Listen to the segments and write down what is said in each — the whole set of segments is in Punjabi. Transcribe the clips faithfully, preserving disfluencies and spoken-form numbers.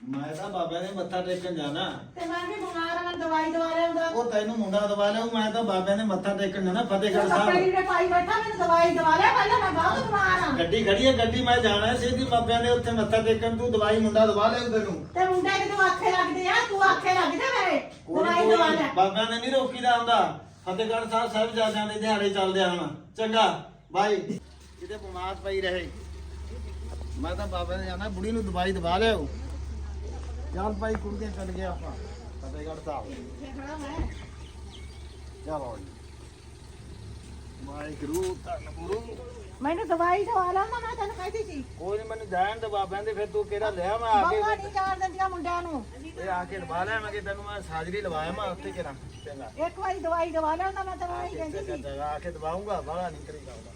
ਮੈਂ ਤਾਂ ਬਾਬਿਆਂ ਦੇ ਮੱਥਾ ਟੇਕਣ ਜਾਣਾ ਤੇ ਮੈਂ ਵੀ ਬਿਮਾਰ ਆ, ਦਵਾਈ ਦਵਾ ਲਿਆਉਂਦਾ। ਉਹ ਤੈਨੂੰ ਮੁੰਡਾ ਦਵਾ ਲਿਆ, ਮੈਂ ਤਾਂ ਬਾਬਿਆਂ ਦੇ ਮੱਥਾ ਟੇਕਣ ਜਾਣਾ ਫਤਿਹਗੜ੍ਹ ਕੱਪੜੇ ਸਾਹਿਬ। ਲੀੜੇ ਪਾਈ ਬੈਠਾ, ਮੈਨੂੰ ਦਵਾਈ ਦਵਾ ਲਿਆ ਪਹਿਲਾਂ, ਮੈਂ ਬਹੁਤ ਬਿਮਾਰ ਆ। ਗੱਡੀ ਖੜੀ ਹੈ, ਗੱਡੀ ਮੈਂ ਜਾਣਾ ਸਿੱਧੀ ਬਾਬਿਆਂ ਦੇ ਉੱਥੇ ਮੱਥਾ ਟੇਕਣ, ਤੂੰ ਦਵਾਈ ਮੁੰਡਾ ਦਵਾ ਲਿਆ ਤੈਨੂੰ। ਤੇ ਮੁੰਡੇ ਕਿਤੇ ਆਖੇ ਲੱਗਦੇ ਆ, ਤੂੰ ਆਖੇ ਲੱਗਦੇ ਮੇਰੇ, ਦਵਾਈ ਦਵਾ ਲਿਆ। ਬਾਬਿਆਂ ਨੇ ਨਹੀਂ ਰੋਕੀਦਾ ਹੁੰਦਾ। ਫਤਿਹਗੜ੍ਹ ਸਾਹਿਬ ਸਾਹਿਬਜ਼ਾਦਿਆਂ ਦੇ ਦਿਹਾੜੇ ਚੱਲਦੇ ਹਨ। ਚੰਗਾ ਬਾਈ, ਕਿਤੇ ਬਿਮਾਰ ਪਈ ਰਹੇ। ਮੈਂ ਤਾਂ ਬਾਬਿਆਂ ਦੇ ਜਾਣਾ, ਬੁੜੀ ਨੂੰ ਦਵਾਈ ਦਵਾ ਲਿਆਓ। ਚੱਲ ਭਾਈ ਕੁੜੀਆਂ ਚੱਲ ਗਏ ਆਪਾਂ ਫਤਿਹਗੜ੍ਹ ਸਾਹਿਬ। ਚਲੋ ਜੀ, ਵਾਹਿਗੁਰੂ ਧੰਨ ਗੁਰੂ। ਮੈਨੂੰ ਦਵਾਈ ਦਵਾ ਲਾ, ਮੈਂ ਤੈਨੂੰ ਕਹਿੰਦੀ ਸੀ। ਕੋਈ ਨਹੀਂ, ਮੈਨੂੰ ਜਾਣ ਦੇ ਬਾਬਿਆਂ ਦੇ, ਫਿਰ ਤੂੰ ਕਿਹੜਾ ਲਿਆ ਮੈਂ ਆ ਕੇ। ਬਾਬਾ ਨਹੀਂ ਜਾਣ ਦਿੰਦੀਆਂ ਮੁੰਡਿਆਂ ਨੂੰ। ਇਹ ਆ ਕੇ ਦਵਾ ਲਿਆ ਮੈਂ, ਕਿ ਤੈਨੂੰ ਮੈਂ ਸਾਜਰੀ ਲਵਾਇਆ ਮੈਂ ਉੱਥੇ ਕਿਹੜਾ। ਚੰਗਾ ਇੱਕ ਵਾਰੀ ਦਵਾਈ ਦਵਾ ਲਿਆ, ਮੈਂ ਤੈਨੂੰ ਨਹੀਂ ਕਹਿੰਦੀ ਸੀ। ਚੰਗਾ ਆ ਕੇ ਦਵਾਉਂਗਾ, ਬੜਾ ਨਹੀਂ ਕਰੀਦਾ ਉਹਦਾ।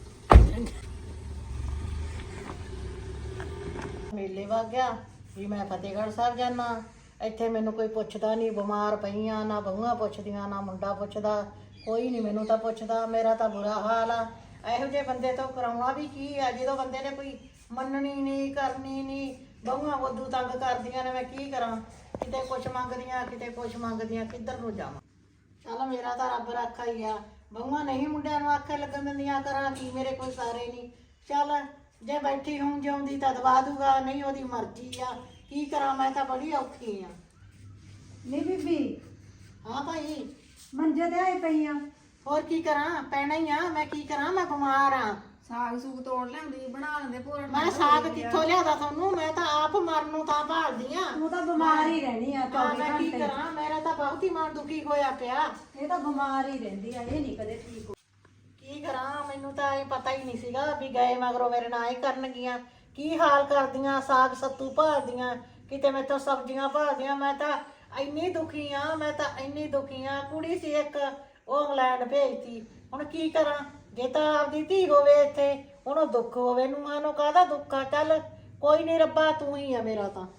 ਮੇਲੇ ਵਗ ਗਿਆ ਵੀ ਮੈਂ ਫਤਿਹਗੜ੍ਹ ਸਾਹਿਬ ਜਾਣਾ। ਇੱਥੇ ਮੈਨੂੰ ਕੋਈ ਪੁੱਛਦਾ ਨਹੀਂ, ਬਿਮਾਰ ਪਈਆਂ, ਨਾ ਬਹੂਆਂ ਪੁੱਛਦੀਆਂ, ਨਾ ਮੁੰਡਾ ਪੁੱਛਦਾ, ਕੋਈ ਨਹੀਂ ਮੈਨੂੰ ਤਾਂ ਪੁੱਛਦਾ। ਮੇਰਾ ਤਾਂ ਬੁਰਾ ਹਾਲ ਆ। ਇਹੋ ਜਿਹੇ ਬੰਦੇ ਤੋਂ ਕਰਾਉਣਾ ਵੀ ਕੀ ਆ, ਜਦੋਂ ਬੰਦੇ ਨੇ ਕੋਈ ਮੰਨਣੀ ਨਹੀਂ, ਕਰਨੀ ਨਹੀਂ, ਬਹੂਆਂ ਉਦੋਂ ਤੰਗ ਕਰਦੀਆਂ ਨੇ। ਮੈਂ ਕੀ ਕਰਾਂ, ਕਿਤੇ ਕੁਛ ਮੰਗਦੀਆਂ, ਕਿਤੇ ਕੁਛ ਮੰਗਦੀਆਂ, ਕਿੱਧਰ ਨੂੰ ਜਾਵਾਂ। ਚੱਲ ਮੇਰਾ ਤਾਂ ਰੱਬ ਰੱਖਾ ਹੀ ਆ। ਬਹੂਆਂ ਨਹੀਂ ਮੁੰਡਿਆਂ ਨੂੰ ਆਖੇ ਲੱਗਣ ਦਿੰਦੀਆਂ, ਕਰਾਂ ਕੀ, ਮੇਰੇ ਕੋਈ ਸਾਰੇ ਨਹੀਂ। ਚੱਲ ਜੇ ਬੈਠੀ ਹੂੰ ਜਿਉਂਦੀ ਤਾਂ ਦਵਾ ਦੂਗਾ, ਨਹੀਂ ਉਹਦੀ ਮਰਜ਼ੀ ਆ। ਕੀ ਕਰਾਂ, ਮੈਂ ਤਾਂ ਬੜੀ ਔਖੀ ਆ। ਨਹੀਂ ਬੀਬੀ, ਹਾਂ ਭਾਈ, ਮੰਜੇ ਤੇ ਆਈ ਪਈਆਂ। ਹੋਰ ਕੀ ਕਰਾਂ, ਪੈਣਾ ਹੀ ਆ। ਮੈਂ ਕੀ ਕਰਾਂ, ਮੈਂ ਬਿਮਾਰ ਆ। ਸਾਗ ਸੂਗ ਤੋੜ ਲਿਆਉਂਦੀ, ਬਣਾ ਲੈਂਦੇ ਭੋਰ। ਮੈਂ ਸਾਗ ਕਿੱਥੋਂ ਲਿਆਦਾ ਤੁਹਾਨੂੰ, ਮੈਂ ਤਾਂ ਆਪ ਮਰਨ ਨੂੰ ਤਾਂ ਭਾਲਦੀ ਆ। ਤੂੰ ਤਾਂ ਬਿਮਾਰ ਹੀ ਰਹਿਣੀ ਆ ਹਾਂ, ਚੌਵੀ ਮੈਂ ਕੀ ਘੰਟੇ। ਕਰਾਂ, ਮੇਰਾ ਤਾਂ ਬਹੁਤ ਹੀ ਮਨ ਦੁਖੀ ਹੋਇਆ ਪਿਆ। ਇਹ ਤਾਂ ਬਿਮਾਰ ਹੀ ਰਹਿੰਦੀ ਆ, ਇਹ ਨਹੀਂ ਕਦੇ ਠੀਕ ਹੋ। ਕੀ ਕਰਾਂ, ਮੈਨੂੰ ਤਾਂ ਇਹ ਪਤਾ ਹੀ ਨਹੀਂ ਸੀਗਾ ਵੀ ਗਏ ਮਗਰੋਂ ਮੇਰੇ ਨਾਲ ਹੀ ਕਰਨਗੀਆਂ। ਕੀ ਹਾਲ ਕਰਦੀਆਂ, ਸਾਗ ਸੱਤੂ ਭਾਲਦੀਆਂ, ਕਿਤੇ ਮੈਥੋਂ ਸਬਜ਼ੀਆਂ ਭਾਲਦੀਆਂ। ਮੈਂ ਤਾਂ ਇੰਨੀ ਦੁਖੀ ਆ, ਮੈਂ ਤਾਂ ਇੰਨੀ ਦੁਖੀ ਆ। ਕੁੜੀ ਸੀ ਇੱਕ, ਉਹ ਇੰਗਲੈਂਡ ਭੇਜਤੀ। ਹੁਣ ਕੀ ਕਰਾਂ, ਜੇ ਤਾਂ ਆਪਦੀ ਧੀ ਹੋਵੇ ਇੱਥੇ, ਉਹਨੂੰ ਦੁੱਖ ਹੋਵੇ, ਨੂੰਹਾਂ ਨੂੰ ਕਾਹਦਾ ਦੁੱਖ ਆ। ਚੱਲ ਕੋਈ ਨਹੀਂ ਰੱਬਾ, ਤੂੰ ਹੀ ਆ ਮੇਰਾ ਤਾਂ।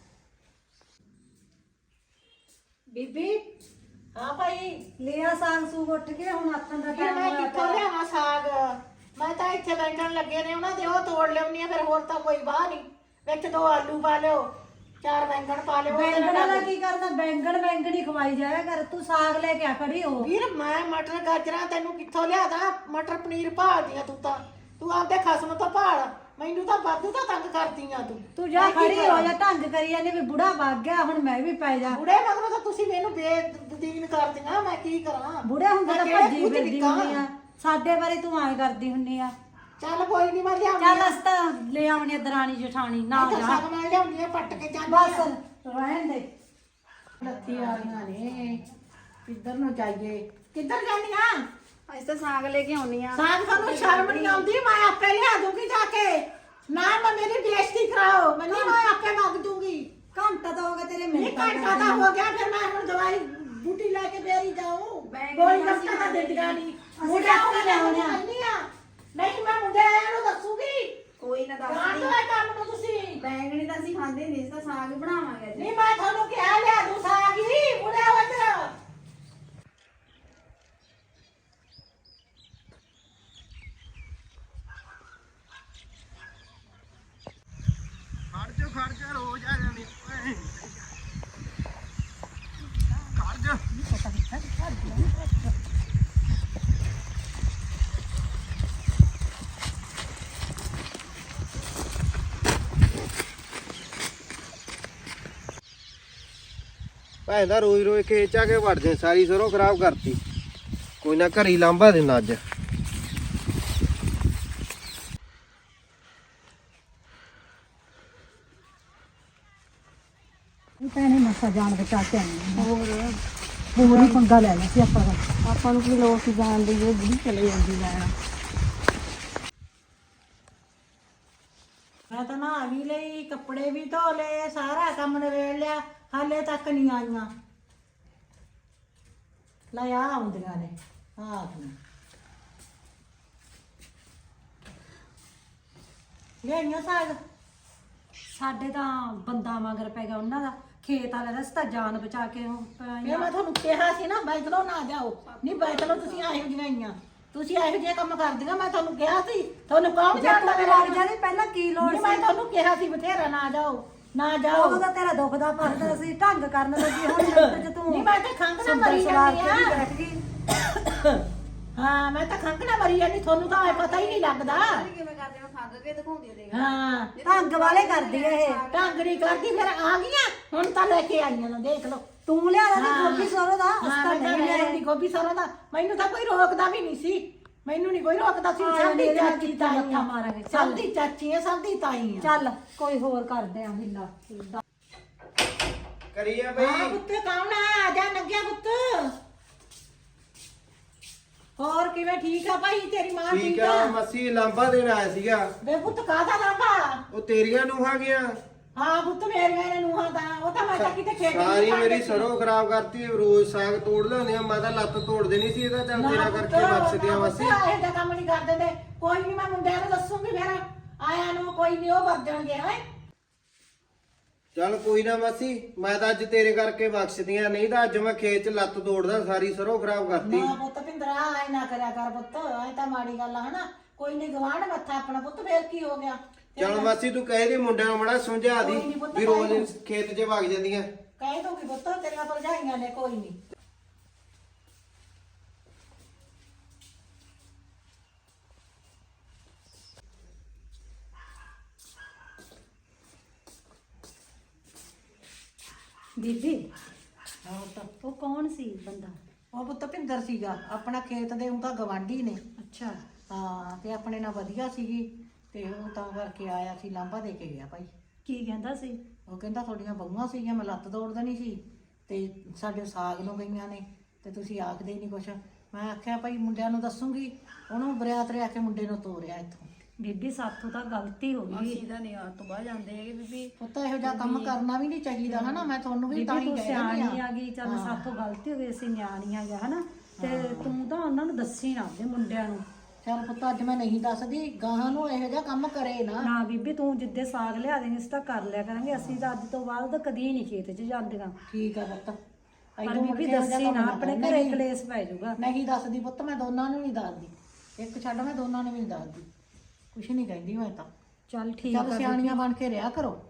ਬੀਬੀ ਹਾਂ ਭਾਈ, ਲਿਆ ਸਾਗ ਸੂਗ ਉੱਠ ਕੇ, ਹੁਣ ਆਥਣ ਦਾ ਫਿਰ ਟਾਈਮ ਮੈਂ ਹੋਇਆ ਕਿੱਥੋਂ ਪਿਆ। ਲਿਆਵਾਂ ਸਾਗ। ਮੈਂ ਤਾਂ ਇੱਥੇ ਬੈਠਣ ਲੱਗੇ ਨੇ ਉਹਨਾਂ ਦੇ, ਉਹ ਤੋੜ ਲਿਆਉਣੀ ਆ। ਫਿਰ ਹੋਰ ਤਾਂ ਕੋਈ ਬਾਹ ਨਹੀਂ। ਵਿੱਚ ਦੋ ਆਲੂ ਪਾ ਲਿਓ, ਚਾਰ ਬੈਂਗਣ ਪਾ ਲਿਓ। ਉਹਦੇ ਬੈਂਗਣ ਨਾਲ ਦਾ ਕੀ ਕਰਦਾ, ਬੈਂਗਣ ਬੈਂਗਣ ਹੀ ਖਵਾਈ ਜਾਇਆ ਕਰ। ਤੂੰ ਸਾਗ ਲੈ ਕੇ ਆ ਖੜੀ ਹੋ। ਵੀਰ ਮੈਂ ਮਟਰ ਗਾਜਰਾਂ ਤੈਨੂੰ ਕਿੱਥੋਂ ਲਿਆਦਾ, ਮਟਰ ਪਨੀਰ ਭਾਲਦੀਆਂ ਤੂੰ ਤਾਂ। ਤੂੰ ਆਪਦੇ ਖਸਮ ਤੋਂ ਭਾਲ, ਮੈਨੂੰ ਤਾਂ ਵਾਧੂ ਤਾਂ ਤੰਗ ਕਰਦੀਆਂ ਤੂੰ। ਤੂੰ ਜਾ ਮੈਂ ਕੀ ਖੜੀ ਹੋ ਕਰਾਂ? ਜਾ, ਢੰਗ ਕਰੀ ਜਾਂਦੀ ਵੀ ਬੁੜਾ ਵਗ ਗਿਆ, ਹੁਣ ਮੈਂ ਵੀ ਪੈ ਜਾ। ਬੁੜੇ ਮਗਰੋਂ ਤਾਂ ਤੁਸੀਂ ਮੈਨੂੰ ਬੇਦੀਨ ਕਰਦੀਆਂ, ਮੈਂ ਕੀ ਕਰਾਂ। ਬੁੜੇ ਹੁੰਦੇ ਮੈਂ ਤਾਂ ਕਿਹੜੇ ਭੱਜੀ ਖੂਹ ਚ ਫਿਰਦੀ ਨਿੱਕਾਂ? ਹੁੰਦੀ ਆ, ਸਾਡੇ ਬਾਰੇ ਤੂੰ ਐਂ ਕਰਦੀ ਹੁੰਨੀ ਆ। ਚੱਲ ਕੋਈ ਨਹੀਂ, ਮੈਂ ਲਿਆਉਂਦੀ ਚੱਲ ਅਸ ਤਾਂ ਲੈ ਆਉਣੀ ਆ ਦਰਾਣੀ ਜਠਾਣੀ, ਨਾ ਮੈਂ ਤਾਂ ਜਾ ਸਗ ਮੈਂ ਲਿਆਉਂਦੀ ਆ, ਪੱਟ ਕੇ ਜਾਂਦੀ ਬਸ ਆ। ਰਹਿਣ ਦੇ। ਲੱਤੀ ਆਈਆਂ ਨੇ, ਕਿੱਧਰ ਨੂੰ ਜਾਈਏ, ਕਿੱਧਰ ਜਾਂਦੀਆਂ? ਅੱਜ ਤਾਂ ਸਾਗ ਲੈ ਕੇ ਆਉਣੀ ਆ। ਸਾਗ ਤੁਹਾਨੂੰ ਸ਼ਰਮ ਨਹੀਂ ਆਉਂਦੀ? ਮੈਂ ਆਪੇ ਲਿਆ ਦੂੰਗੀ ਜਾ ਕੇ। ਨਾ ਮੈਂ ਮੇਰੀ ਬੇਇੱਜ਼ਤੀ ਕਰਾਓ, ਮੈਨੂੰ ਮੈਂ ਆਪੇ ਮੰਗ ਦੂੰਗੀ। ਘੰਟਾ ਤਾਂ ਹੋ ਗਿਆ ਤੇਰੇ ਨਹੀਂ ਮਿੰਟ ਘੰਟਾ ਤਾਂ ਹੋ ਗਿਆ, ਫਿਰ ਮੈਂ ਹੁਣ ਦਵਾਈ ਬੂਟੀ ਲੈ ਕੇ ਫੇਰ ਹੀ ਜਾਊਂ। ਕੋਈ ਰਸਤਾ ਤਾਂ ਦਿੱਤੀਆਂ ਨਹੀਂ। ਮੁੰਡੇ ਆਪੇ ਲਿਆਉਣੇ ਆ। ਨਹੀਂ ਮੈਂ ਮੁੰਡੇ ਆਇਆ ਨੂੰ ਦੱਸੂਗੀ। ਕੋਈ ਨਾ ਦੱਸ ਜਾਣ ਦੋ ਇਹ ਕੰਮ ਨੂੰ ਤੁਸੀਂ। ਬੈਂਗਣੀ ਤਾਂ ਅਸੀਂ ਖਾਂਦੇ ਨਹੀਂ, ਇਸ ਤਾਂ ਸਾਗ ਹੀ ਬਣਾਵਾਂਗੇ ਅੱਜ। ਨਹੀਂ ਮੈਂ ਤੁਹਾਨੂੰ ਕਿਹਾ ਲਿਆ ਦੂੰ ਸਾਗ ਹੀ, ਮੁੰਡੇ ਵਜਰ। ਖੜ ਜਾ ਖੜ ਜਾ, ਰੋਜ਼ ਆ ਜਾਂਦੀ ਓਏ। ਖੜ ਜਾ। ਭਾਈ ਦਾ ਰੋਜ਼ ਰੋਜ਼ ਖੇਚ ਆ ਕੇ ਵੜਦੇ, ਸਾਰੀ ਸਰੋਂ ਖਰਾਬ ਕਰਤੀ। ਕੋਈ ਨਾ ਘਰੀ ਲਾਂਭਾ ਦੇਣਾ ਅੱਜ। ਭੈਣੇ ਮਸਾ ਜਾਣ ਬਚਾ ਕੇ ਆਈ ਹੋਰ ਹੋਰ ਹੀ ਪੰਗਾ ਲੈ ਲਿਆ ਸੀ ਆਪਾਂ ਦਾ। ਆਪਾਂ ਨੂੰ ਕੀ ਲੋੜ ਸੀ ਜਾਣ ਦੀ, ਇਹ ਬੁੜੀ ਚਲੇ ਜਾਂਦੀ ਲੈਣ। ਮੈਂ ਤਾਂ ਨਹਾ ਵੀ ਲਈ, ਕੱਪੜੇ ਵੀ ਧੋ ਲਏ, ਸਾਰਾ ਕੰਮ ਨਵੇੜ ਲਿਆ, ਹਾਲੇ ਤੱਕ ਨਹੀਂ ਆਈਆਂ। ਲੈ ਆ ਆਉਂਦੀਆਂ ਨੇ, ਆ ਤੂੰ ਲੈਣੀਆਂ ਸਾਗ। ਸਾਡੇ ਤਾਂ ਬੰਦਾ ਮਗਰ ਪੈ ਗਿਆ ਉਹਨਾਂ ਦਾ, ਖੇਤ ਵਾਲੇ ਦਾ। ਅਸੀਂ ਤਾਂ ਜਾਨ ਬਚਾ ਕੇ ਉਹ ਇਹ ਮੈਂ ਤੁਹਾਨੂੰ ਕਿਹਾ ਸੀ ਨਾ, ਬੈਠਲੋ ਨਾ ਜਾਓ। ਨਹੀਂ ਬੈਠਲੋ, ਤੁਸੀਂ ਇਹੋ ਜਿਹੀਆਂ ਹੀ ਆ। ਤੁਸੀਂ ਇਹੋ ਜਿਹੇ ਕੰਮ ਕਰਦੀਆਂ, ਮੈਂ ਤੁਹਾਨੂੰ ਕਿਹਾ ਸੀ। ਤੁਹਾਨੂੰ ਕੌਣ ਜਾਣਦਾ ਜੇ ਮੇਰਾ? ਲੱਗ ਜਾਂਦੀ ਪਹਿਲਾਂ ਕੀ ਲੋੜ ਨਹੀਂ, ਸੀ? ਮੈਂ ਤੁਹਾਨੂੰ ਕਿਹਾ ਸੀ ਬਥੇਰਾ ਨਾ ਜਾਓ। ਨਾ ਜਾਓ। ਉਹਦਾ ਤੇਰਾ ਦੁੱਖ ਦਾ ਪਰਦਾ ਸੀ ਢੰਗ ਕਰਨ ਲੱਗੀ ਹੁਣ ਮਿੰਟ ਚ ਤੂੰ ਨਹੀਂ ਮੈਂ ਤਾਂ ਖੰਘ ਨਾਲ ਸੁੰਦਰ ਮਰੀ ਸਵਾਰ ਜਾਂਦੀ ਕੇ ਆ। ਬੈਠ ਗਈ। ਹਾਂ ਮੈਂ ਤਾਂ ਖੰਘ ਨਾਲ ਮਰੀ ਜਾਂਦੀ, ਤੁਹਾਨੂੰ ਤਾਂ ਇਹ ਪਤਾ ਹੀ ਨਹੀਂ ਲੱਗਦਾ। ਕਿਵੇਂ ਕਰਦੇ ਮੈਂ ਖੰਗ ਕੇ ਦਿਖਾਉਂਦੀ ਦੇਖ ਹਾਂ ਢੰਗ ਵਾਲੇ ਕਰਦੀ ਆ ਇਹ। ਢੰਗ ਨਹੀਂ ਕਰਦੀ, ਫਿਰ ਆ ਗਈਆਂ ਹੁਣ ਤਾਂ ਲੈ ਕੇ ਆਈਆਂ ਨਾ, ਦੇਖ ਲਓ। ਤੂੰ ਲਿਆ ਦਾ ਹਾਂ। ਗੋਭੀ ਸਰੋਂ ਦਾ ਹਾਂ ਅਸਤਾ ਮੈਂ ਤਾਂ ਨਹੀਂ ਲੈ ਲਿਆ ਆਉਂਦੀ ਗੋਭੀ ਸਰੋਂ ਦਾ, ਮੈਨੂੰ ਤਾਂ ਕੋਈ ਰੋਕਦਾ ਵੀ ਨਹੀਂ ਸੀ, ਮੈਨੂੰ ਨਹੀਂ ਕੋਈ ਰੋਕਦਾ ਸੀ। ਹਾਂ, ਸਭ ਦੀ ਇਹਦੇ ਨਾਲ ਚਾਚੀ ਕਿੱਦਾਂ ਤਾਈ ਮੱਥਾ ਆ, ਮਾਰਾਂਗੇ। ਸਭ ਦੀ ਚਾਚੀ ਆ, ਸਭ ਦੀ ਤਾਈ ਆ। ਚੱਲ ਕੋਈ ਹੋਰ ਕਰਦੇ ਆ ਹਿੱਲਾ ਕਰੀਏ ਹਾਂ ਬਈ। ਪੁੱਤ ਕੌਣ ਆ? ਆ ਜਾ ਨੰਗਿਆ ਪੁੱਤ। ਹੋਰ ਕਿਵੇਂ ਠੀਕ ਆ ਭਾਈ? ਤੇਰੀ ਮਾਂ ਠੀਕ ਠੀਕ ਆ ਆ? ਮੱਸੀ ਲਾਂਬਾ ਦੇਣ ਆਇਆ ਸੀਗਾ। ਵੇ ਪੁੱਤ ਕਾਹਦਾ ਲਾਂਭਾ? ਉਹ ਤੇਰੀਆਂ ਨੂੰਹਾਂ ਗਿਆ ਹਾਂ ਪੁੱਤ ਮੇਰੀਆਂ ਨੇ ਨੂੰਹਾਂ ਦਾ, ਉਹ ਤਾਂ ਮੈਂ ਤਾਂ ਕਿਤੇ ਖੇਡ ਸਾਰੀ ਮੇਰੀ ਸਰੋਂ ਖਰਾਬ ਕਰਤੀ। ਰੋਜ਼ ਸਾਗ ਤੋੜ ਲਿਆਉਂਦੇ ਆ, ਮੈਂ ਤਾਂ ਲੱਤ ਤੋੜ ਦੇਣੀ ਸੀ ਇਹਦਾ। ਚੱਲ ਤੇਰਾ ਕਰਕੇ ਬਖਸ਼ਦਿਆਂ ਮੱਸੀ। ਇਹ ਤਾਂ ਕੰਮ ਨਹੀਂ ਕਰ ਦਿੰਦੇ। ਕੋਈ ਨਹੀਂ ਮੈਂ ਮੁੰਡਿਆਂ ਨੂੰ ਦੱਸੂਗੀ, ਫਿਰ ਆਇਆ ਨੂੰ ਕੋਈ ਨਹੀਂ ਉਹ ਵਰ ਜਾਣਗੇ। ਹੈ ਚੱਲ ਕੋਈ ਨਾ ਮਾਸੀ, ਮੈਂ ਤਾਂ ਅੱਜ ਤੇਰੇ ਕਰਕੇ ਬਖਸ਼ਦੀਆਂ, ਨਹੀਂ ਤਾਂ ਅੱਜ ਮੈਂ ਖੇਤ 'ਚ ਲੱਤ ਤੋੜਦਾ, ਸਾਰੀ ਸਰੋਂ ਖਰਾਬ ਕਰਤੀ। ਨਾ ਪੁੱਤ ਪਿੰਦਰਾ ਐ ਨਾ ਕਰਿਆ ਕਰ ਪੁੱਤ, ਐ ਤਾਂ ਮਾੜੀ ਗੱਲ ਆ ਹਨਾ। ਕੋਈ ਨਹੀਂ ਗਵਾਂਢ ਮੱਥਾ ਆਪਣਾ ਪੁੱਤ, ਫੇਰ ਕੀ ਹੋ ਗਿਆ? ਚੱਲ ਮਾਸੀ ਤੂੰ ਕਹੇ ਦੇ ਮੁੰਡਿਆਂ ਨੂੰ ਮੜਾ ਸਮਝਾ ਦੀ ਕੋਈ ਨੀ ਪੁੱਤ, ਵੀ ਰੋਜ਼ ਖੇਤ 'ਚ ਵਗ ਜਾਂਦੀਆਂ। ਕਹਿ ਦੂੰਗੀ ਪੁੱਤ, ਤੇਰੀਆਂ ਭਰਜਾਈਆਂ ਨੇ, ਕੋਈ ਨਹੀਂ। ਬੀਬੀ ਹਾਂ ਪੁੱਤ, ਉਹ ਕੌਣ ਸੀ ਬੰਦਾ? ਉਹ ਪੁੱਤ ਪਿੰਦਰ ਸੀਗਾ, ਆਪਣਾ ਖੇਤ ਦੇ ਉਹ ਤਾਂ ਗਵਾਂਢੀ ਨੇ। ਅੱਛਾ ਹਾਂ ਤੇ ਆਪਣੇ ਨਾਲ ਵਧੀਆ ਸੀਗੀ, ਤੇ ਉਹ ਤਾਂ ਕਰਕੇ ਆਇਆ ਸੀ, ਲਾਂਭਾ ਦੇ ਕੇ ਗਿਆ ਭਾਈ। ਕੀ ਕਹਿੰਦਾ ਸੀ? ਉਹ ਕਹਿੰਦਾ ਤੁਹਾਡੀਆਂ ਬਹੂਆਂ ਸੀਗੀਆਂ, ਮੈਂ ਲੱਤ ਤੋੜ ਦੇਣੀ ਸੀ, ਤੇ ਸਾਡੇ ਸਾਗ ਨੂੰ ਗਈਆਂ ਨੇ, ਤੇ ਤੁਸੀਂ ਆਖਦੇ ਨਹੀਂ ਕੁਛ। ਮੈਂ ਆਖਿਆ ਭਾਈ ਮੁੰਡਿਆਂ ਨੂੰ ਦੱਸੂਗੀ, ਉਹਨੂੰ ਬਰਿਆਤ ਰਿਆ ਕੇ ਮੁੰਡੇ ਨੂੰ ਤੋਰਿਆ ਇੱਥੋਂ। ਬੀਬੀ ਸਾਥੋਂ ਤਾਂ ਗਲਤੀ ਹੋ ਗਈ। ਅਸੀਂ ਤਾਂ ਨਿਆਰ ਤੋਂ ਬਾਹਰ ਜਾਂਦੇ ਹੈਗੇ ਬੀਬੀ। ਪੁੱਤ ਇਹੋ ਜਿਹਾ ਕੰਮ ਕਰਨਾ ਵੀ ਨਹੀਂ ਚਾਹੀਦਾ ਹਨਾ। ਮੈਂ ਤੁਹਾਨੂੰ ਵੀ ਤਾਂ ਬੀਬੀ ਹੀ ਤੂੰ ਕਹਿ ਰਹੀ ਸਿਆਣੀ ਆ। ਆ ਗਈ, ਚੱਲ ਸਾਥੋਂ ਗਲਤੀ ਹੋ ਗਈ, ਅਸੀਂ ਨਿਆਣੀ ਆ ਗਿਆ ਹਨਾ। ਤੇ ਤੂੰ ਤਾਂ ਉਹਨਾਂ ਨੂੰ ਦੱਸੀ ਨਾ ਦੇ ਮੁੰਡਿਆਂ ਨੂੰ। ਚੱਲ ਪੁੱਤ ਅੱਜ ਮੈਂ ਨਹੀਂ ਦੱਸਦੀ, ਗਾਹਾਂ ਨੂੰ ਇਹੋ ਜਿਹਾ ਕੰਮ ਕਰੇ ਨਾ। ਨਾ ਬੀਬੀ ਤੂੰ ਜਿੱਦੇ ਸਾਗ ਲਿਆ ਦੇਂਗੇ ਅਸੀਂ ਤਾਂ ਕਰ ਲਿਆ ਕਰਾਂਗੇ। ਅਸੀਂ ਤਾਂ ਅੱਜ ਤੋਂ ਬਾਅਦ ਤਾਂ ਕਦੀ ਨਹੀਂ ਖੇਤ 'ਚ ਜਾਂਦੀਆਂ। ਠੀਕ ਆ ਪੁੱਤ। ਪਰ ਇੱਥੋਂ ਮੁੜ ਬੀਬੀ ਕੇ ਇਹੋ ਜਿਹਾ ਦੱਸੀ ਕੰਮ ਨਾ, ਨਾ ਆਪਣੇ ਕਰ। ਘਰੇ ਨਹੀਂ, ਕਲੇਸ਼ ਪੈ ਜਾਊਗਾ। ਨਹੀਂ ਦੱਸਦੀ ਪੁੱਤ, ਮੈਂ ਦੋਨਾਂ ਨੂੰ ਨਹੀਂ ਦੱਸਦੀ। ਇੱਕ ਛੱਡ, ਮੈਂ ਦੋਨਾਂ ਨੂੰ ਵੀ ਨਹੀਂ ਦੱਸਦੀ। ਕੁਛ ਨਹੀਂ ਕਹਿੰਦੀ ਮੈਂ ਤਾਂ। ਚੱਲ ਠੀਕ ਚੱਲ ਆ ਸਿਆਣੀਆਂ ਬਣ ਕੇ ਰਿਹਾ ਕਰੋ।